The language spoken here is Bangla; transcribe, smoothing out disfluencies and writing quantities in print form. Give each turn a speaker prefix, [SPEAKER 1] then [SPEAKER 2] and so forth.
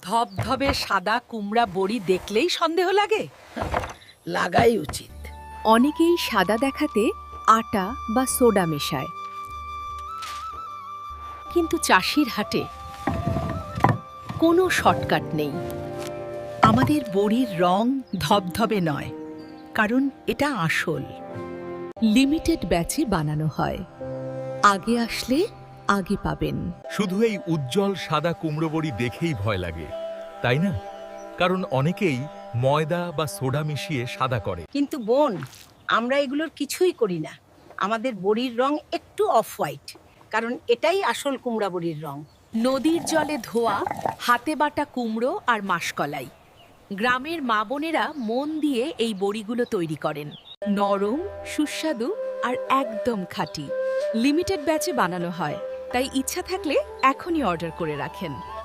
[SPEAKER 1] ধবধবে সাদা কুমড়া বড়ি দেখলেই সন্দেহ লাগে।
[SPEAKER 2] লাগাই উচিত।
[SPEAKER 3] অনেকেই সাদা দেখাতে আটা বা সোডা মেশায়, কিন্তু চাষির হাটে কোনো শর্টকাট নেই।
[SPEAKER 1] আমাদের বড়ির রং ধবধবে নয়, কারণ এটা আসল।
[SPEAKER 3] লিমিটেড ব্যাচে বানানো হয়। আগে আসলে আগে পাবেন।
[SPEAKER 4] শুধু এই উজ্জ্বল সাদা কুমড়ো বড়ি দেখেই ভয় লাগে, তাই না? কারণ অনেকেই ময়দা বা সোডা মিশিয়ে সাদা করে।
[SPEAKER 2] কিন্তু বোন, আমরা এগুলোর কিছুই করি না। আমাদের বড়ির রং একটু অফ হোয়াইট, কারণ এটাই আসল কুমড়া বড়ির রং।
[SPEAKER 3] নদীর জলে ধোয়া হাতে বাটা কুমড়ো আর মাসকলাই। গ্রামের মা বোনেরা মন দিয়ে এই বড়িগুলো তৈরি করেন। নরম, সুস্বাদু আর একদম খাঁটি। লিমিটেড ব্যাচে বানানো হয়, তাই ইচ্ছা থাকলে এখনই অর্ডার করে রাখেন।